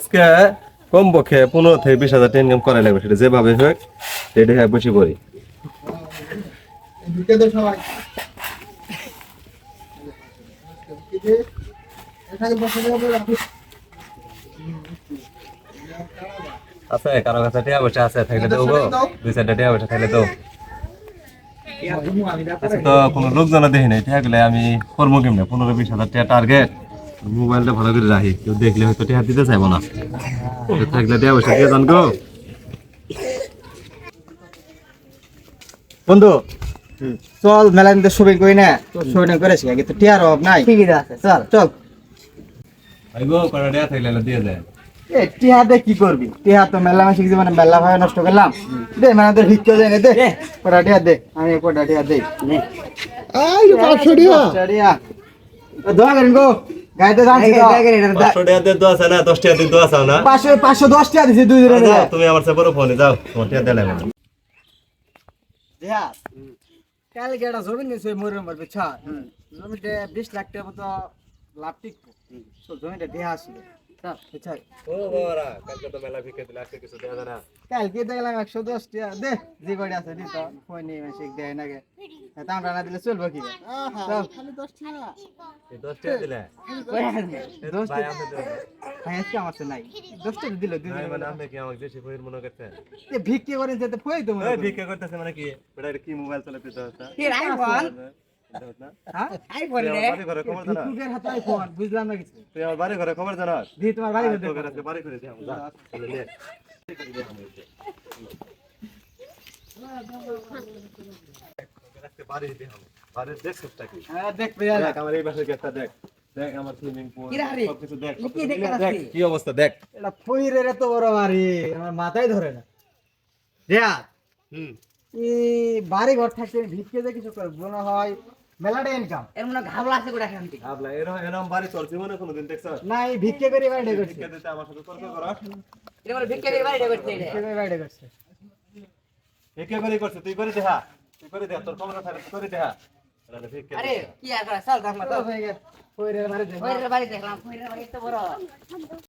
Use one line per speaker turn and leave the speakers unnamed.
আজকে কমপক্ষে 15 থেকে 20 হাজার টাকা ইনকাম করা লাগবে, সেটা যেভাবে হোক সেটা হ্যাঁ বসে পড়ি। আছে কারো কাছে টাকা পয়সা আছে থাকলে দেবো, 2-4টা টাকা পয়সা থাকলে দেবো। তো কোনো লোকজন দেখি নাই টাকা গুলো আমি কর্ম কেমনে 15-20 হাজার টাকা টার্গেট। মোবাইলটা ভালো করে রাখি, কেউ দেখলে হয়তো টাকা দিতে চাইবো না, থাকলে টাকা পয়সা দিয়ে যান গো।
বন্ধু চল মেলা নিতে শপিং করি না, তো শপিং করেছি আগে তো টিয়ার অভাব নাই, ঠিকই আছে, চল চল।
আইগো কটা টাকা থাকলে দিয়ে যায়।
এ টিয়া দে কি করবি, টিয়া তো মেলা মাসে কিছু মানে মেলা ভাবে নষ্ট করলাম, দে মানে তোর ভিক্ষা দেয় না, দে কটা টিয়া দে, আমি কটা টিয়া দেই। আই 500 টিয়া দোয়া করেন গো, গাইতে যাচ্ছি তো
500 টাকা দিয়ে দোয়া চাও না, 10 টাকা দিয়ে দোয়া চাও না।
510 টিয়া দিছি দুই দিনের
যাও, তুমি আমার সাথে বড় ফোনে যাও, তোমার টাকা দিলে না।
দেয়া কাল গেটা জমি নিছে মরে মরবে ছা জমিতে 20 লাখ টাকা মতো লাভ টিকবো, তো জমিটা দেয়া আসছিল বুঝছাই।
ও বাবারা কালকে তো মেলা ভিক্ষা দিলে, আজকে কিছু দেয়া যায় না।
কালকে দেখলাম 110 টাকা দে, যে কয়টা আছে দিত কই নেই মাসে দেয় না গে, দামটা না দিলে চলবে কি খালি 10 টাকা,
এই 10 টাকা দিলে
কই আছে 10
ভাই
টাকা
আপনি দেন।
ভাই আজকে আমার তো নাই 10 টাকা দিল দুই
ভাই
দিন
মানে আপনি কি আমাকে দেশি ফইর মনে করতেন?
এ ভিক্ষে করে যেতে ফই তো মনে
এই
করি।
ভিক্ষা করতেছে মানে কি? এটা কি মোবাইল চালাতে দাও তা?
কি আইফোন হ্যাঁ
আইফোন রে বাড়ি ঘরে খবর জানা?
ভিক্ষুকের হাতে আইফোন বুঝলাম না কিছু,
তুই আমার বাড়ি ঘরে খবর জানাস?
দি তোমার বাড়ি ঘর
তোকে
দেখো।
আজকে বাড়ি করে দিই আমরা, যা চলে নে। আজকে বাড়ি দিই আমরা, বাড়ি দেখ সবটা কি।
হ্যাঁ দেখ পেয়া
দেখ আমার এই বাসার গেটটা দেখ, দেখ আমার সুইমিং পুল সবকিছু দেখ,
কি দেখ
দেখ কি অবস্থা দেখ।
এটা ফইরের এত বড় বাড়ি আমার মাথায় ধরে না দেয়া
হুম
এই বাড়ি ঘর থাকতে ভিক্ষে যে কিছু করে মনে হয় মেলাটা ইনকাম
এর মনে ঘাবলা আছে গোটা খান্তি
আপলা এরকম বাড়ি তোর জীবনে কোনোদিন দেখছস?
না এই ভিক্ষে করে বাড়িটা করছে,
ভিক্ষা দিতে আমার সাথে তর্ক করা?
এর মনে ভিক্ষা করে বাড়িটা করতে এটা
ভিক্ষে করে বাড়িটা করছে।
ভিক্ষা করে করছে, তুই করে দেখা, তুই করে দেখা, তোর ক্ষমতা থাকে তুই করে দেখা। এটা ভিক্ষা
আরে
দিছে।
কি আর করা চল থাক না তো
ফইরের বাড়ি
ফইরের বাড়ি দেখলাম ফইরের বাড়ি তো বড়